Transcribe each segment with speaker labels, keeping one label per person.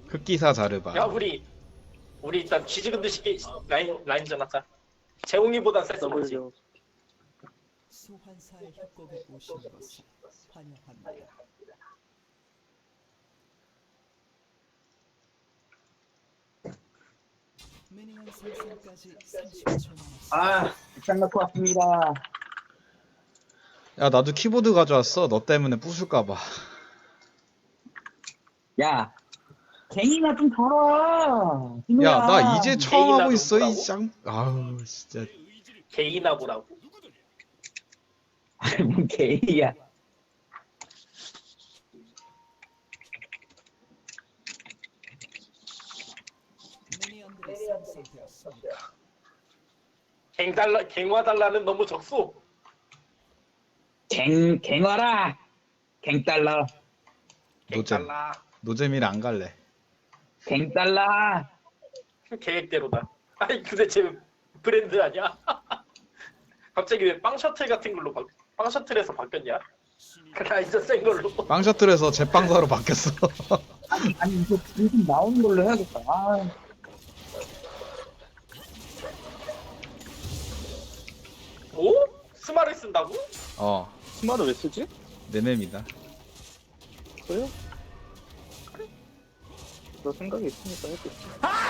Speaker 1: 흑기사 자르바.
Speaker 2: 야 우리 일단 쥐지근 듯이 라인전 하자. 재웅이보단 셌어 보지.
Speaker 3: W
Speaker 4: 소환사의 협곡에 오신 것을 환영합니다. 미니언 생성까지 30초 남았습니다.
Speaker 5: 아, 장 놓고 왔습니다.
Speaker 1: 야 나도 키보드 가져왔어. 너 때문에 부술까봐.
Speaker 5: 야, 갱이나 좀 덜어.
Speaker 1: 야 나 이제 처음 하고
Speaker 2: 개인하고
Speaker 1: 있어 이
Speaker 2: 뭐라고?
Speaker 1: 짱. 아우 진짜.
Speaker 2: 개인하고라고.
Speaker 5: 아니, 뭔 개이야.
Speaker 4: 미니언들이 생성되었습니다.
Speaker 2: 갱화달라는 너무 적소.
Speaker 5: 갱와라. 갱달러.
Speaker 1: 노잼.
Speaker 2: 갱달라.
Speaker 1: 노잼이라 안 갈래.
Speaker 5: 갱달러.
Speaker 2: 계획대로다. 아니 도대체 브랜드 아니야? 갑자기 왜 빵 셔틀 같은 걸로 빵 셔틀에서 바뀌었냐? 라이저 센 걸로.
Speaker 1: 빵 셔틀에서 제빵사로 바뀌었어.
Speaker 5: 아니, 이거 요즘 나오는 걸로 해야겠다. 아,
Speaker 2: 오? 스마를 쓴다고?
Speaker 1: 어
Speaker 3: 스마트 왜 쓰지?
Speaker 1: 내 맵이다.
Speaker 3: 그래요? 그래. 너 생각이 있으니까 했겠지.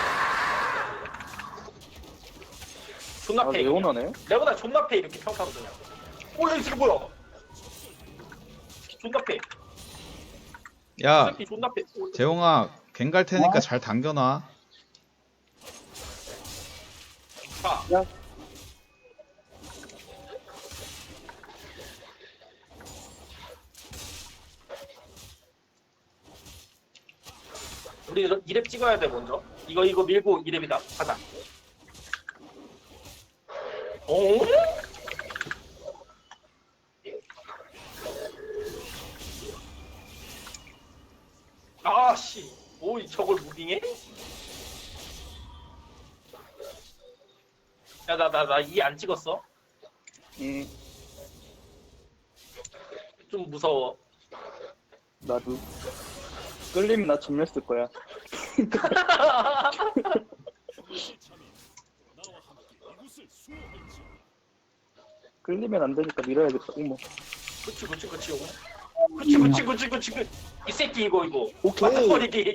Speaker 2: 존나
Speaker 3: 아,
Speaker 2: 페이.
Speaker 3: 레오나네?
Speaker 2: 내보다 존나 페이 이렇게 평가하거든요. 오, 야, 이게 뭐야? 존나 페이.
Speaker 1: 야
Speaker 2: 존나 페이. 오,
Speaker 1: 재홍아 갱 갈 테니까
Speaker 5: 어?
Speaker 1: 잘 당겨놔.
Speaker 2: 자,
Speaker 3: 야,
Speaker 2: 우리 2렙 찍어야 돼 먼저. 이거 밀고 2렙이다. 가자. 오? 아씨, 오 저걸 무빙해? 야 나 이 안 찍었어. 좀 무서워.
Speaker 3: 나도. 끌리면 나 전멸 쓸 거야. 끌리면 안 되니까 밀어야겠다. 어머.
Speaker 2: 그치. 이 새끼 이거.
Speaker 3: 오케이.
Speaker 2: 맞다버리기.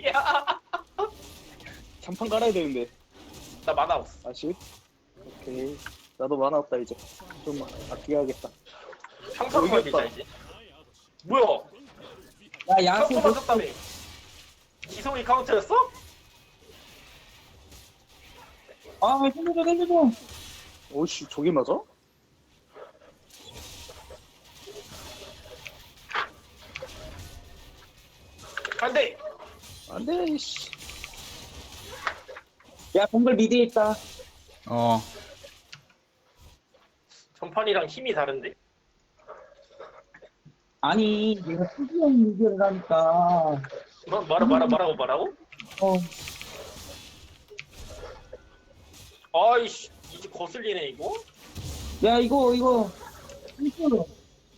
Speaker 3: 장판 깔아야 되는데.
Speaker 2: 나 만화 없어.
Speaker 3: 아시? 오케이. 나도 만화 없다 이제. 좀만 아껴야겠다.
Speaker 2: 평타로
Speaker 3: 이겼다.
Speaker 2: 걸리자 이제. 뭐야?
Speaker 5: 야, 야수.
Speaker 2: 평타 맞았다며. 지성이 카운터였어?
Speaker 5: 아, 살려줘.
Speaker 3: 오씨, 저게 맞아?
Speaker 2: 안돼.
Speaker 3: 안 돼, 이씨.
Speaker 5: 야, 동글 미드에 있다.
Speaker 1: 어
Speaker 2: 전판이랑 힘이 다른데?
Speaker 5: 아니, 내가 특이한 얘기를 하니까.
Speaker 2: 말하고?
Speaker 5: 어,
Speaker 2: 아이씨, 이제 거슬리네 이거.
Speaker 5: 야, 이거. 이거.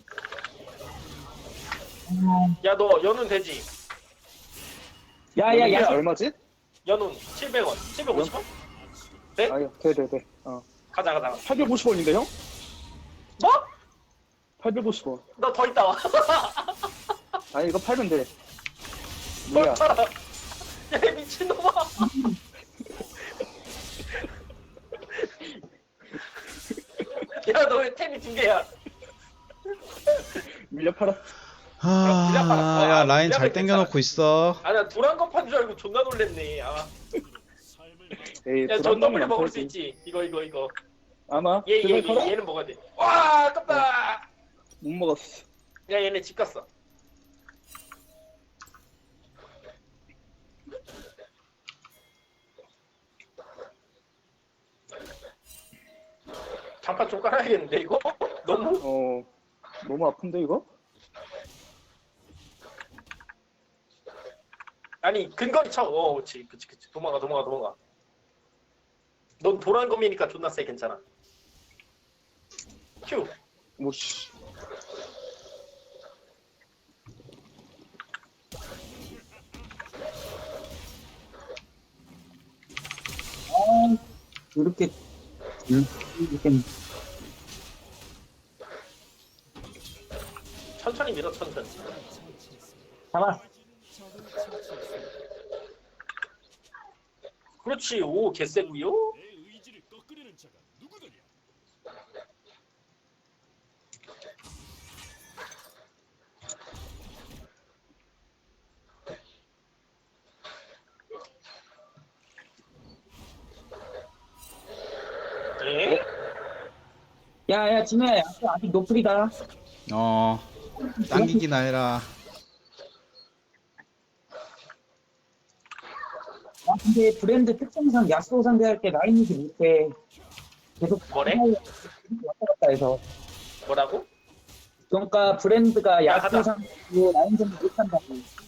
Speaker 2: 야 너 연운 되지?
Speaker 5: 야,
Speaker 3: 이게
Speaker 5: 야수.
Speaker 3: 얼마지?
Speaker 2: 연운 700원, 750원? 네?
Speaker 3: 아유, 돼.
Speaker 2: 가자.
Speaker 3: 850원인데, 형?
Speaker 2: 뭐?
Speaker 3: 850원.
Speaker 2: 너 더 있다 와.
Speaker 3: 아니, 이거 팔면 돼. 뭐야?
Speaker 2: 야 이 미친놈아. 야 너 왜 템이 2개야?
Speaker 3: 밀려 팔았어.
Speaker 1: 야 라인 잘 땡겨놓고 있어.
Speaker 2: 아나 도란거 판 줄 알고 존나 놀랬네. 아.
Speaker 3: 에이,
Speaker 2: 야, 전
Speaker 3: 불안감이
Speaker 2: 더블
Speaker 3: 안
Speaker 2: 먹을 수
Speaker 3: 털지.
Speaker 2: 있지. 이거.
Speaker 3: 아마?
Speaker 2: 얘는 먹어야 돼. 와, 아깝다.
Speaker 3: 못 먹었어.
Speaker 2: 야, 얘네 집 갔어. 장판 좀 깔아야겠는데 이거? 너무
Speaker 3: 너무 아픈데, 이거?
Speaker 2: 아니 근거리 쳐. 그렇지. 도망가. 넌 도란검이니까 존나 세. 괜찮아. 큐.
Speaker 3: 오씨.
Speaker 5: 이렇게 이렇게
Speaker 2: 천천히 밀어 천천히.
Speaker 5: 잡아.
Speaker 4: 적을 처치했습니다.
Speaker 2: 그렇지. 오 개쎄구요. 네.
Speaker 5: 야야 진우야 아직 노플이다.
Speaker 1: 어 당기기나 해라.
Speaker 5: 아 근데 브랜드 특성상 야스오 상대할 때 라인이지 못해. 계속
Speaker 2: 뭐래?
Speaker 5: 왔다 갔다 해서.
Speaker 2: 뭐라고?
Speaker 5: 그러니까 브랜드가
Speaker 2: 야,
Speaker 5: 야스오
Speaker 2: 가자.
Speaker 5: 상대로 라인 전부 못한다고.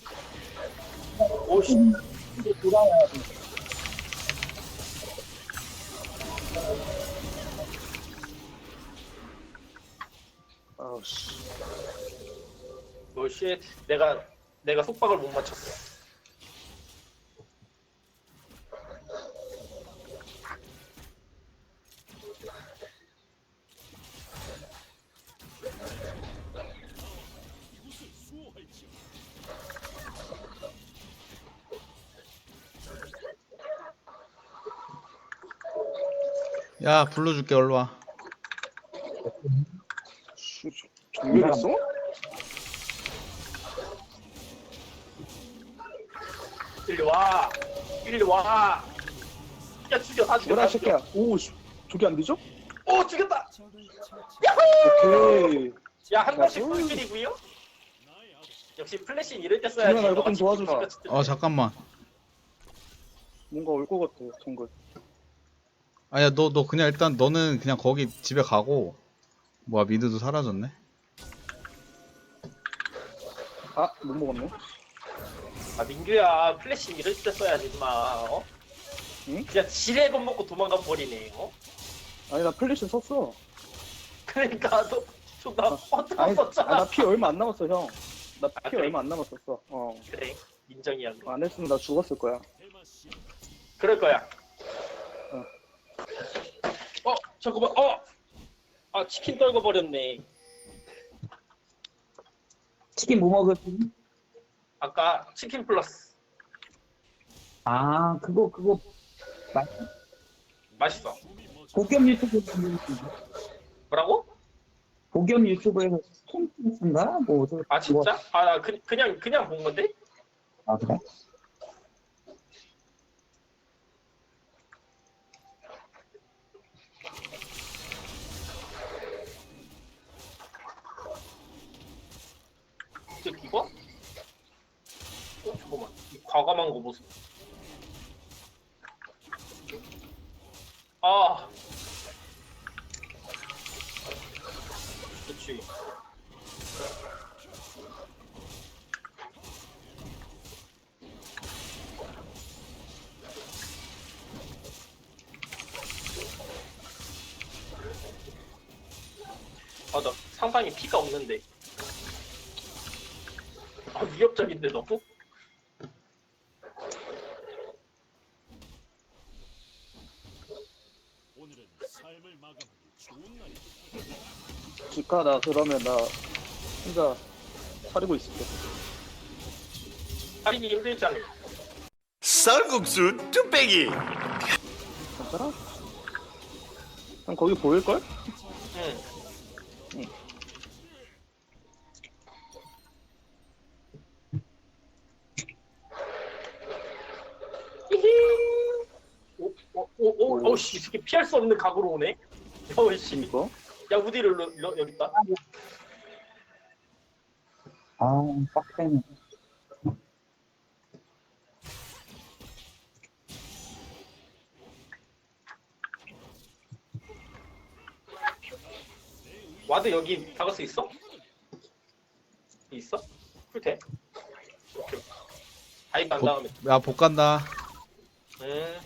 Speaker 2: 오씨.
Speaker 5: 이제 돌아와야 돼.
Speaker 3: 아우씨.
Speaker 2: 오씨. 내가 속박을 못 맞췄어.
Speaker 1: 야 불러줄게 얼른 와.
Speaker 3: 정렬했어?
Speaker 2: 일리 와. 일리 와. 야 죽여 다 죽여
Speaker 3: 뭐라
Speaker 2: 다
Speaker 3: 이 새끼야.
Speaker 2: 죽여.
Speaker 3: 오 씨. 저게 안 되죠?
Speaker 2: 오 죽였다.
Speaker 4: 적을 처치.
Speaker 3: 오케이.
Speaker 2: 야 한 번씩
Speaker 3: 나이스.
Speaker 2: 꿀킬이고요. 역시 플래시 이럴 때
Speaker 3: 준현아,
Speaker 2: 써야지.
Speaker 3: 이거 좀 도와줘라.
Speaker 1: 잠깐만.
Speaker 3: 뭔가 올 것 같아. 정글.
Speaker 1: 아야 너 그냥 일단 너는 그냥 거기 집에 가고. 뭐야 미드도 사라졌네.
Speaker 3: 아, 못 먹었네.
Speaker 2: 아 민규야 플래시 이럴 때 써야지 마. 어?
Speaker 3: 응?
Speaker 2: 그냥 지뢰 겁먹고 도망가 버리네. 어?
Speaker 3: 아니 나 플래시 썼어.
Speaker 2: 그러니까 너나
Speaker 3: 아니,
Speaker 2: 썼잖아.
Speaker 3: 나 피 얼마 안 남았어 형. 나 피
Speaker 2: 아, 그래?
Speaker 3: 얼마 안 남았었어.
Speaker 2: 그래 인정이야. 그거.
Speaker 3: 안 했으면 나 죽었을 거야.
Speaker 2: 그럴 거야. 잠깐만. 아 치킨 떨궈 버렸네.
Speaker 5: 치킨 뭐 먹을지?
Speaker 2: 아까 치킨 플러스
Speaker 5: 아 그거
Speaker 2: 맛있어.
Speaker 5: 고겸 유튜브에서
Speaker 2: 뭐라고?
Speaker 5: 고겸 유튜브에서 치킨 플러스인가? 뭐 어디서
Speaker 2: 아 진짜? 아 나 그냥 본 건데?
Speaker 5: 아 그래?
Speaker 2: 이거? 잠깐만 이 과감한 거 보소. 아 그렇지. 아 나 상당히 피가 없는데. 아 위협적인데 너무?
Speaker 3: 지카 나 그러면 나 혼자 사리고 있을게.
Speaker 2: 살인이 힘들잖아.
Speaker 6: 쌀국수 뚝배기.
Speaker 3: 괜찮아? 형 거기 보일걸?
Speaker 2: 응. 오씨 이 새끼 피할 수 없는 각오로 오네. 어씨.
Speaker 3: 이거?
Speaker 2: 야 우디를 여기 있다.
Speaker 5: 아 빡세네.
Speaker 2: 와드 여기 박을 수 있어? 있어? 풀테. 오케이. 다이브 한 다음에.
Speaker 1: 야 복 간다.
Speaker 2: 음.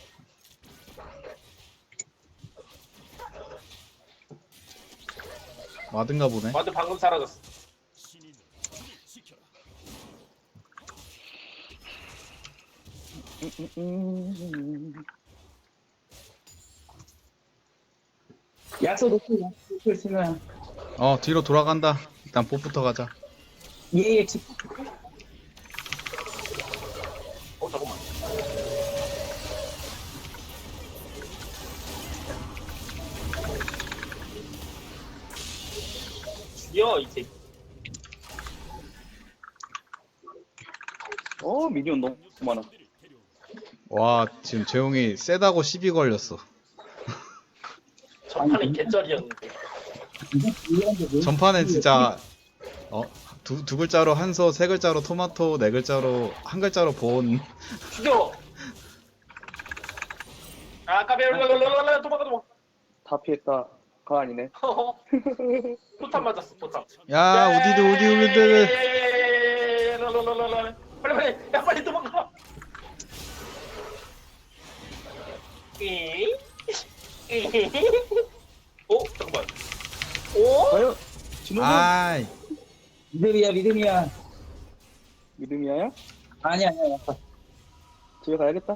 Speaker 1: 와든가 보네.
Speaker 2: 와드 방금 사라졌어.
Speaker 5: 약소 노플 쓰면
Speaker 1: 뒤로 돌아간다. 일단 봇부터 가자.
Speaker 5: 얘의 집
Speaker 2: 잠깐만. 죽여 이 새끼.
Speaker 3: 미니언 너무 많아.
Speaker 1: 와, 지금 재용이 세다고 시비 걸렸어.
Speaker 2: 전판에 개쩔이었는데.
Speaker 1: 전판엔 진짜 두 글자로 한소, 세 글자로 토마토, 네 글자로 한 글자로 본.
Speaker 2: 죽여. 아 까베 도망가.
Speaker 3: 다 피했다. 가 아니네.
Speaker 2: 포탄 맞았어 포탄.
Speaker 1: 야, 우디드.
Speaker 2: 빨리 야 빨리 도망가. 잠깐만.
Speaker 3: 과연 진호는
Speaker 1: 아이,
Speaker 5: 믿음이야.
Speaker 3: 믿음이야야?
Speaker 5: 아니야.
Speaker 3: 집에 가야겠다.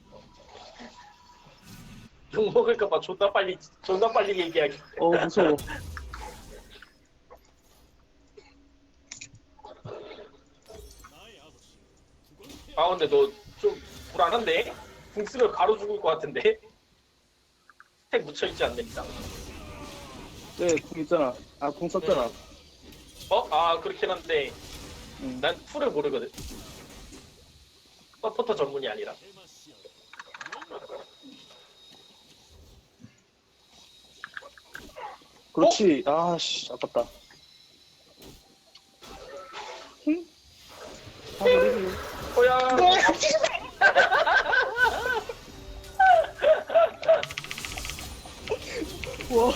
Speaker 2: 욕 먹을까봐 존나 빨리 얘기하기.
Speaker 3: 무서워.
Speaker 2: 아 근데 너 좀 불안한데? 궁 쓰면 바로 죽을 것 같은데? 스택 묻혀있지 않습니다.
Speaker 3: 네, 궁 있잖아. 궁 썼잖아.
Speaker 2: 아 그렇긴 한데 난 풀을 모르거든. 서포터 전문이 아니라.
Speaker 3: 그렇지. 아씨, 아깝다. 응? 우리
Speaker 2: 뭐야?
Speaker 3: 우와.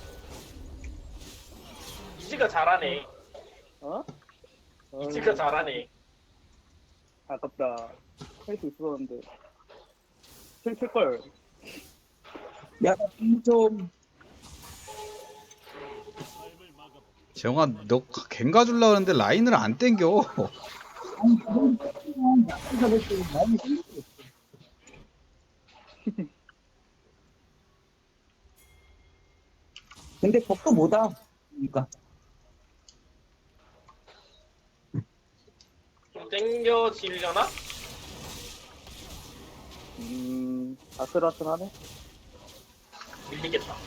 Speaker 2: 이지가 잘하네. 이지가 잘하네.
Speaker 3: 아깝다. 할 수 있었는데. 킬걸.
Speaker 5: 야, 좀
Speaker 1: 재용아, 너 갱가 줄라 그러는데 라인을 안 땡겨.
Speaker 5: 아니 그건 약소 잡을 때 많이 생겼어. 근데 법도 뭐다. 그러니까
Speaker 2: 좀 땡겨지려나?
Speaker 3: 아슬아슬하네.
Speaker 2: 밀리겠다.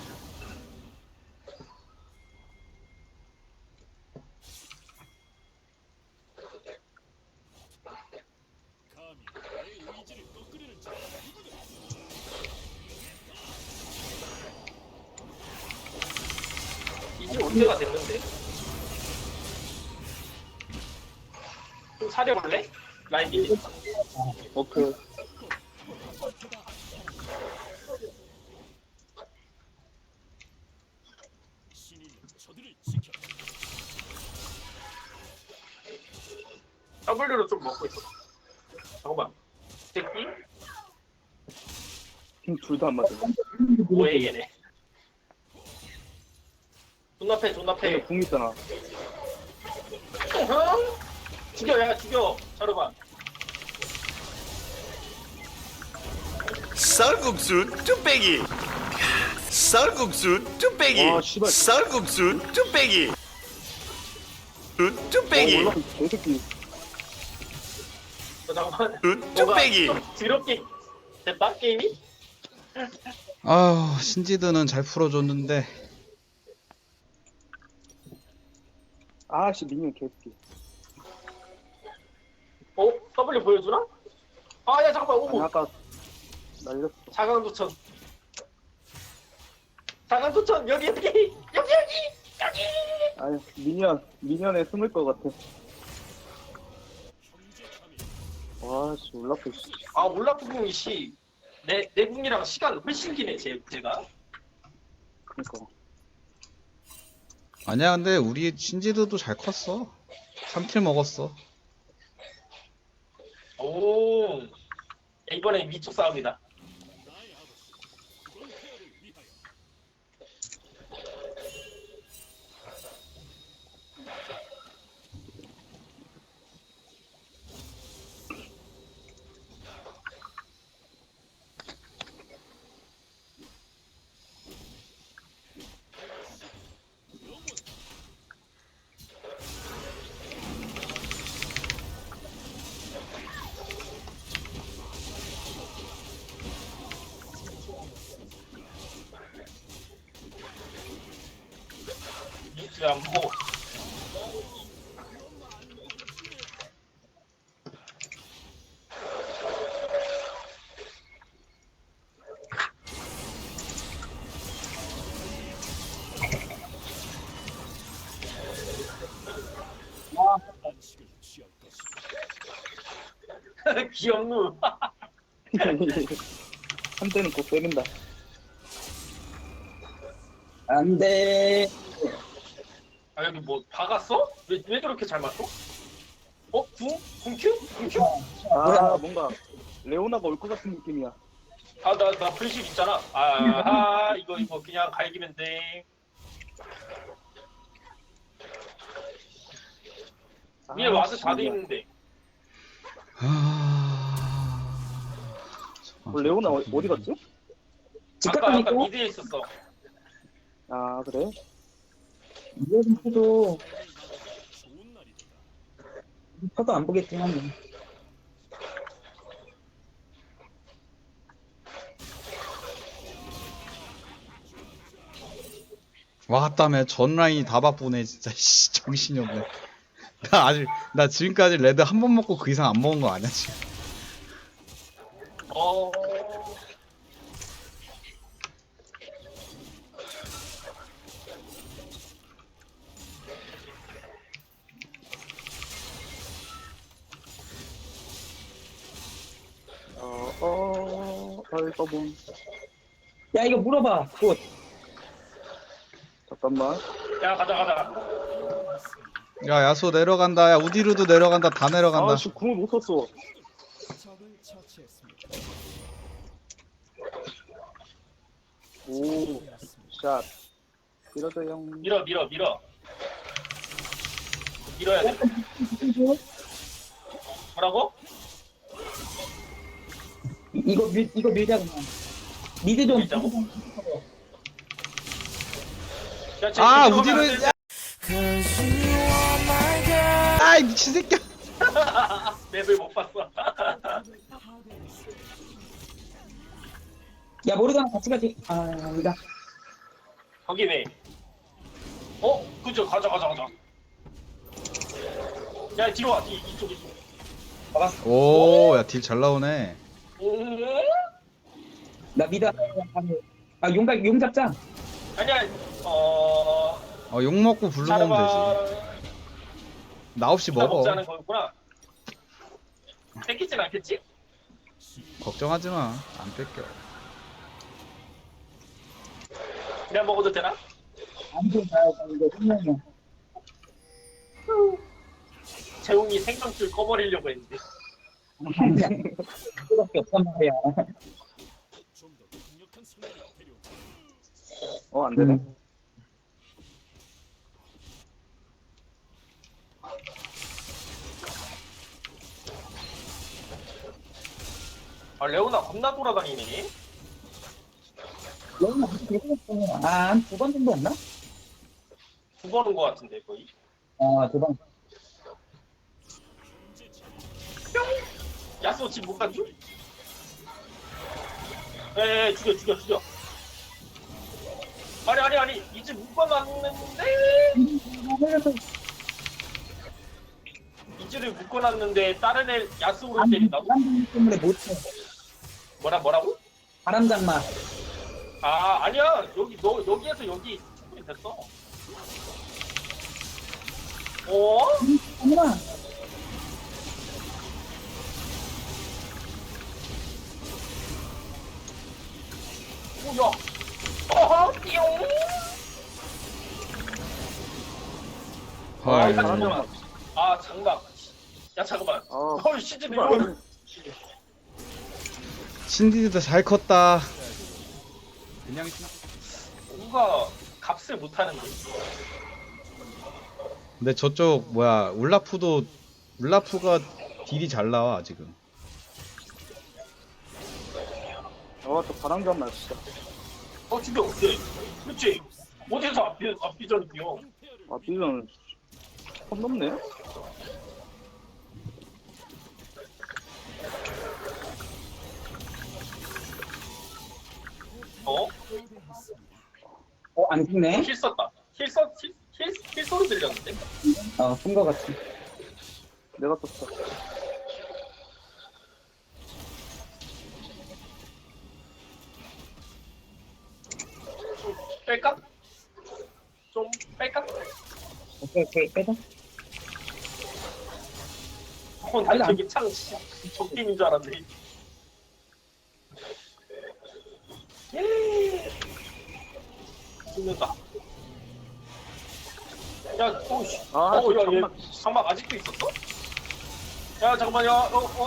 Speaker 2: 이제 올 때가 됐는데. 좀 사려볼래? 라인 밀리니까.
Speaker 3: 오케이.
Speaker 2: W로 좀 먹고 있어. 잠깐만. 새끼?
Speaker 3: 둘 다 안 맞아.
Speaker 2: 뭐해 얘네. 존나패.
Speaker 3: 얘네 궁 있잖아.
Speaker 2: 죽여 야 죽여. 자르반.
Speaker 6: 쌀국수 뚝배기. 쌀국수 뚝배기.
Speaker 3: 와, 씨발.
Speaker 6: 쌀국수 뚝배기. 뚝배기.
Speaker 3: 몰라, 개새끼.
Speaker 2: 잠깐만.
Speaker 6: 뚝배기.
Speaker 2: 뭔가 좀 더럽게 됐다 게임이?
Speaker 1: 아우, 신지드는 잘 풀어줬는데.
Speaker 3: 아씨, 미니언 개새끼.
Speaker 2: W 보여주나? 아 야 잠깐만
Speaker 3: 아니,
Speaker 2: 오고.
Speaker 3: 아까 날렸어.
Speaker 2: 자강도천 여기.
Speaker 3: 아니, 미니언에 숨을 것 같아. 와씨, 올라프, 씨.
Speaker 2: 아 올라프 궁이 내 궁이랑 시간 훨씬 기네 제가.
Speaker 3: 그니까.
Speaker 1: 아니야, 근데 우리 신지드도 잘 컸어. 3킬 먹었어.
Speaker 2: 오 이번엔 위쪽 싸움이다. 지금 뭐
Speaker 4: 안식을 취할 것이다.
Speaker 2: 귀엽누.
Speaker 3: 한 대는 꼭 때린다.
Speaker 5: 안 돼.
Speaker 2: 아 여기 뭐 박았어? 왜 저렇게 잘 맞춰? 궁큐? 궁큐?
Speaker 3: 아, 뭔가 레오나가 올 것 같은 느낌이야.
Speaker 2: 나 불실 있잖아. 이거 그냥 갈기면 돼. 위에 와서 자도 있는데.
Speaker 3: 레오나 어디 갔지?
Speaker 5: 직각감
Speaker 2: 아까
Speaker 5: 있고
Speaker 2: 미드에 있었어.
Speaker 3: 아, 그래?
Speaker 5: 이어진 해도
Speaker 4: 좋은 날이다.
Speaker 5: 퍼도 안 보겠지만
Speaker 1: 왔다며 전 라인이 다 바쁘네 진짜. 씨, 정신이 없네. 나 지금까지 레드 한 번 먹고 그 이상 안 먹은 거 아니야 지금.
Speaker 2: 어.
Speaker 3: 알바봉.
Speaker 5: 야 이거 물어봐 꽃.
Speaker 3: 잠깐만.
Speaker 2: 야 가자.
Speaker 1: 야 야수 내려간다. 야 우디루도 내려간다. 다 내려간다.
Speaker 3: 아, 씨, 궁을 못 썼어.
Speaker 4: 적을 처치했습니다.
Speaker 3: 오, 샷. 밀어줘요.
Speaker 2: 밀어. 밀어야 돼. 뭐라고?
Speaker 5: 이거 밀자 그냥. 미드 좀.
Speaker 2: 밀자고? 야, 쟤
Speaker 1: 아
Speaker 2: 들어가면
Speaker 1: 우디루.
Speaker 2: 안 돼.
Speaker 1: 아이 미친 새끼야.
Speaker 2: 맵을 못 봤어.
Speaker 5: 야 모르잖아 같이 가지. 아 여기다.
Speaker 2: 거기네. 그죠. 가자. 야, 뒤로 와. 이쪽.
Speaker 5: 막았어.
Speaker 1: 오, 야 딜 잘 나오네.
Speaker 5: 나 미드 아 용 잡자.
Speaker 2: 아니야.
Speaker 1: 욕 먹고 블루 먹으면 되지. 나 없이 먹어.
Speaker 2: 먹자는 거였구나. 뺏기진 않겠지?
Speaker 1: 걱정하지 마. 안 뺏겨.
Speaker 2: 내가 먹어도 되나?
Speaker 5: 안돼 나 이거 생명이야.
Speaker 2: 재웅이 생명줄 꺼버리려고 했는데.
Speaker 5: 그거밖에 없단 말이야.
Speaker 4: 좀 더 강력한 상대를 데려오자.
Speaker 3: 안 되네.
Speaker 2: 레오나 겁나 돌아다니네.
Speaker 5: 너무 아한 두 번 정도 했나?
Speaker 2: 두 번인 것 같은데 거의.
Speaker 5: 두 번.
Speaker 2: 야수 지금 못 간주? 에 죽여. 아니 이제 묶어놨는데 이즈를 묶어놨는데 다른 애 야수를 때린다고?
Speaker 5: 바람장 때문에 못해.
Speaker 2: 뭐라고?
Speaker 5: 바람장마.
Speaker 2: 아니야 여기에서 여기 충분히 됐어.
Speaker 5: 아니야.
Speaker 2: 뭐야? 띠용.
Speaker 1: 헐.
Speaker 2: 잠깐만. 장갑. 야 잠깐만. 시즌 이거
Speaker 1: 신디도 잘 컸다. 그냥
Speaker 2: 뭔가 값을 못하는데.
Speaker 1: 근데 저쪽 울라프가 딜이 잘 나와 지금.
Speaker 3: 저 바람감 나 진짜.
Speaker 2: 죽여. 네. 그렇지. 어디서 앞비전이 뛰어.
Speaker 3: 아, 빌런 선 넘네.
Speaker 5: 안 죽네.
Speaker 2: 힐 썼다. 힐 썼? 힐? 소리 들렸는데?
Speaker 5: 쓴 거 같아.
Speaker 3: 내가 떴어.
Speaker 2: 좀 뺄까? 좀 뺄까?
Speaker 5: 오케이, 빼자.
Speaker 2: 난 저기 참 적팀인 줄 알았네. 죽는다. 야, 오씨.
Speaker 3: 아,
Speaker 2: 야, 얘
Speaker 3: 장막.
Speaker 2: 장막 아직도 있었어? 야, 잠깐만, 야,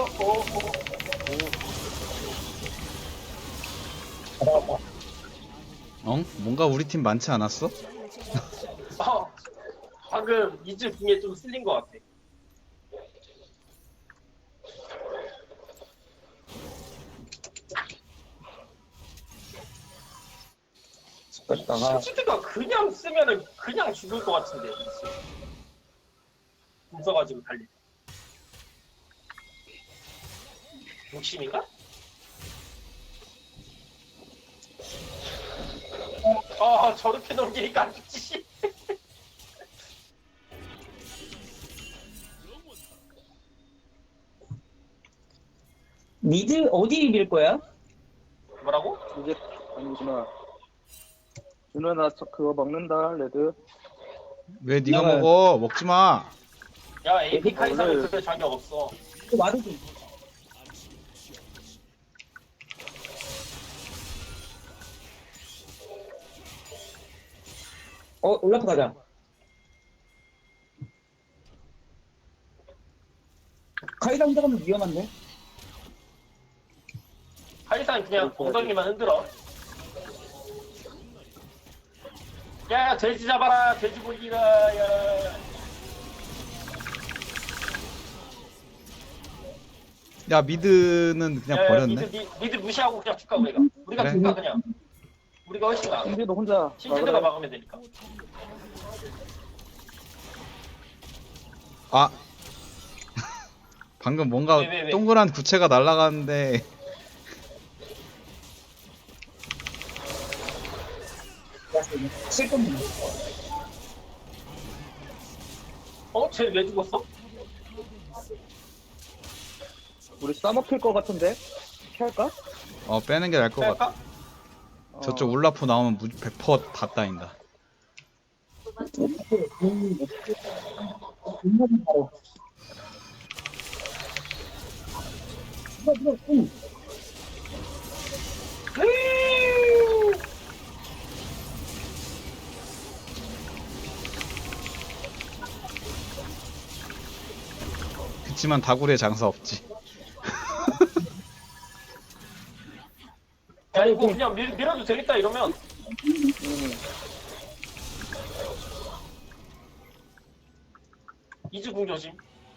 Speaker 1: 뭔가 우리 팀 많지 않았어?
Speaker 2: 방금 이즈 궁에 좀 쓸린 것 같아.
Speaker 5: 뺐다가
Speaker 2: 스치드가 그냥 쓰면은 그냥 죽을 것 같은데. 궁 써가지고 달리. 욕심인가? 저렇게 넘기니까 안 죽지.
Speaker 5: 미드 어디 밀 거야?
Speaker 2: 뭐라고?
Speaker 3: 이제 아니구나. 준호야 나 그거 먹는다 레드.
Speaker 1: 왜 네가
Speaker 5: 나가요.
Speaker 1: 먹어? 먹지 마.
Speaker 2: 야, AP 카이사는
Speaker 3: 원래-
Speaker 2: 그럴 자격 없어.
Speaker 5: 또 와도 돼. 올라프 가자. 카이사 혼자 가면 위험한데?
Speaker 2: 카이사는 그냥 엉덩이만 흔들어. 야, 돼지 잡아라, 돼지고기라, 야.
Speaker 1: 야 미드는 그냥
Speaker 2: 야,
Speaker 1: 버렸네.
Speaker 2: 미드 무시하고 그냥 축가 우리가. 우리가
Speaker 1: 그래?
Speaker 2: 축가 그냥. 우리가 훨씬 나아.
Speaker 3: 신지도 혼자
Speaker 2: 신지드가
Speaker 3: 막으래.
Speaker 2: 막으면 되니까.
Speaker 1: 아 방금 뭔가
Speaker 2: 왜?
Speaker 1: 동그란 구체가 날아가는데
Speaker 5: 실컷
Speaker 2: 쟤 왜 죽었어?
Speaker 3: 우리 싸먹힐 것 같은데? 피할까?
Speaker 1: 빼는 게 나을 것 같아.
Speaker 2: 할까?
Speaker 1: 저쪽 울라프 나오면 100%다 따인다.
Speaker 5: 바로.
Speaker 1: 그치만 다구리에 장사 없지.
Speaker 2: 야, 이거 그냥 밀어도 되겠다 이러면. 이즈궁 조심.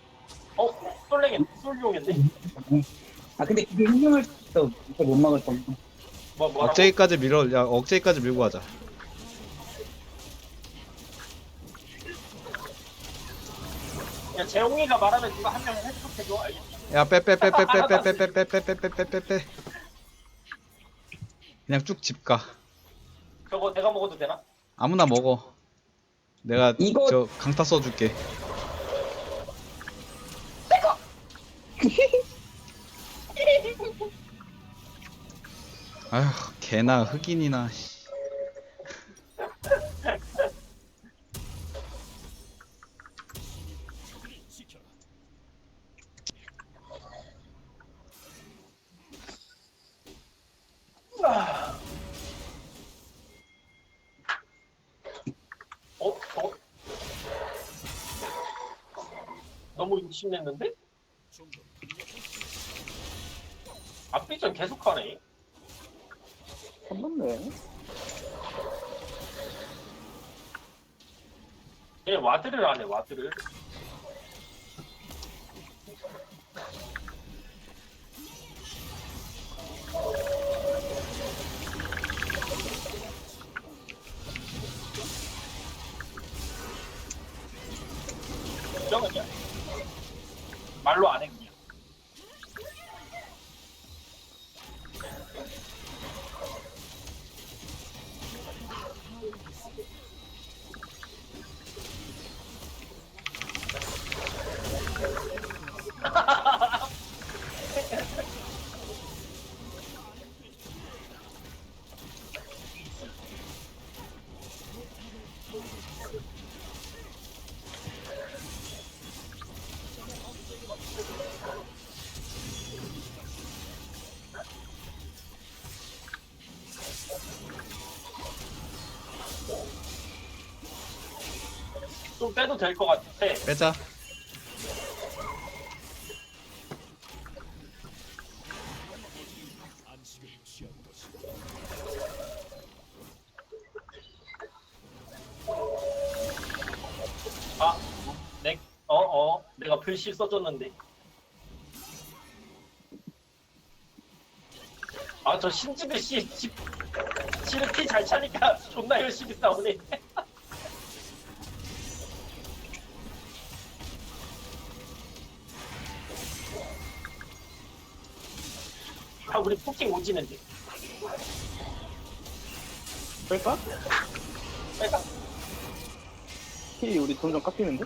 Speaker 2: 솔룡인데?
Speaker 5: 근데 그게 흥명할 수 있어. 이거 못 막을 거.
Speaker 2: 뭐라고?
Speaker 1: 억제기까지 억제기까지 밀고 가자.
Speaker 2: 야, 재홍이가 말하면 누가 한 명 해석해줘. 알겠지?
Speaker 1: 야 빼. 그냥 쭉 집 가.
Speaker 2: 저거 내가 먹어도 되나?
Speaker 1: 아무나 먹어. 내가
Speaker 5: 이거-
Speaker 1: 저 강타 써줄게. 아휴 개나 흑인이나. 씨.
Speaker 4: 지켜라.
Speaker 2: 너무 욕심냈는데?
Speaker 4: 좀더 강력한
Speaker 2: 앞비전 계속하네.
Speaker 3: 선 넘네.
Speaker 2: 얘 와드를 안 해, 와드를. 정은이야. 말로 안 해, 그냥. 좀 빼도 될 것 같아.
Speaker 1: 빼자.
Speaker 4: 안식을 취한 것이
Speaker 2: 아, 내가 불씨 써줬는데. 아, 저 신집의 씨를 피 잘 차니까 존나 열심히 싸우네. 아, 우리 포킹 오지는데.
Speaker 3: 뺄까?
Speaker 2: 빨리
Speaker 3: 키 우리 점점 깎이는데?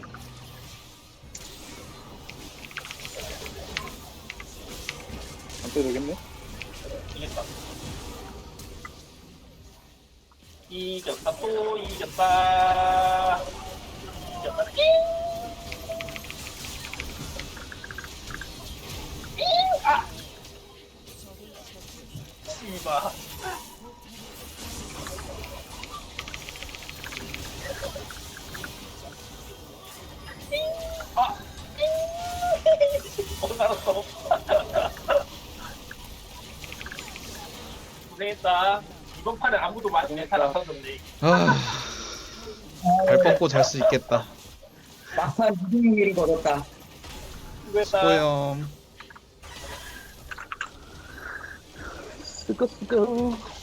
Speaker 3: 안 빼도 되겠네?
Speaker 2: 이겼다. 이겼다, 또 이겼다. 이겼다. 아! 씨발. 아! 날았어. 고생했다. 이번 판에 아무도 많이 멘탈 안 탔는데.
Speaker 1: 발 뻗고 잘 수 있겠다.
Speaker 5: 막판 2승의 일을 걸었다.
Speaker 2: 수고했다.
Speaker 1: 수고염.
Speaker 3: 쓰끄